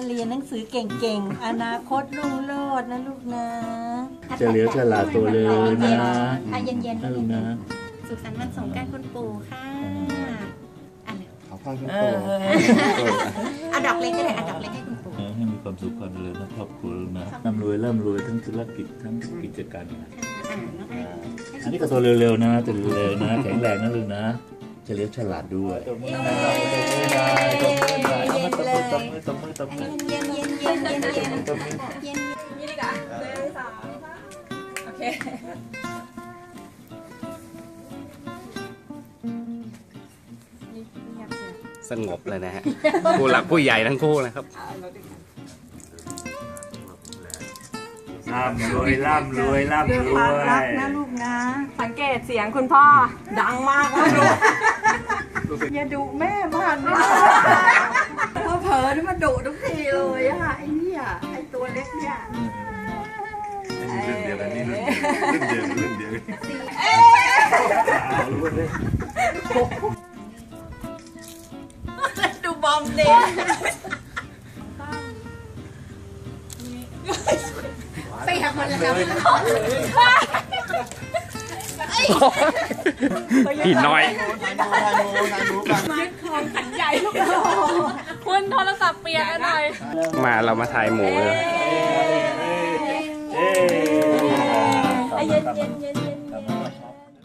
เรียนหนังสือเก่งๆอนาคตรุ่งโรจน์นะลูกนะจะเลี้ยวฉลาดตัวเลยนะเย็นๆนะลูกนะสุขสันต์วันสงกรานต์คุณปู่ค่ะขอพรคุณปู่เอาดอกเล็กก็ได้เอาดอกเล็กให้คุณปู่ให้มีความสุขความเจริญนะครอบครัวนะร่ำรวยทั้งธุรกิจทั้งกิจการนะอันนี้ก็ตัวเร็วๆนะตัวเร็วนะแข็งแรงนะลูกนะจะเลี้ยวฉลาดด้วยตบมือเย็นนี่ดีกว่า1 2 3โอเคสงบเลยนะฮะผู้หลักผู้ใหญ่ทั้งคู่นะครับร่ำรวยด้วยความรักนะลูกนะสังเกตเสียงคุณพ่อดังมากนะลูกอย่าดุแม่มากนะพอเผลอนี่มาดุทุกทีเลยอะไอ้เนี่ยไอ้ตัวเล็กเนี่ยรุ่นเดียวกันนี่รุ่นเดียวดูบอมเด็กไปทำมันแล้วผิดน้อยยึดคอมขันใหญ่ลูกคุณโทรศัพท์เปียกกันหน่อยมาเรามาถ่ายหมูเลยเย็น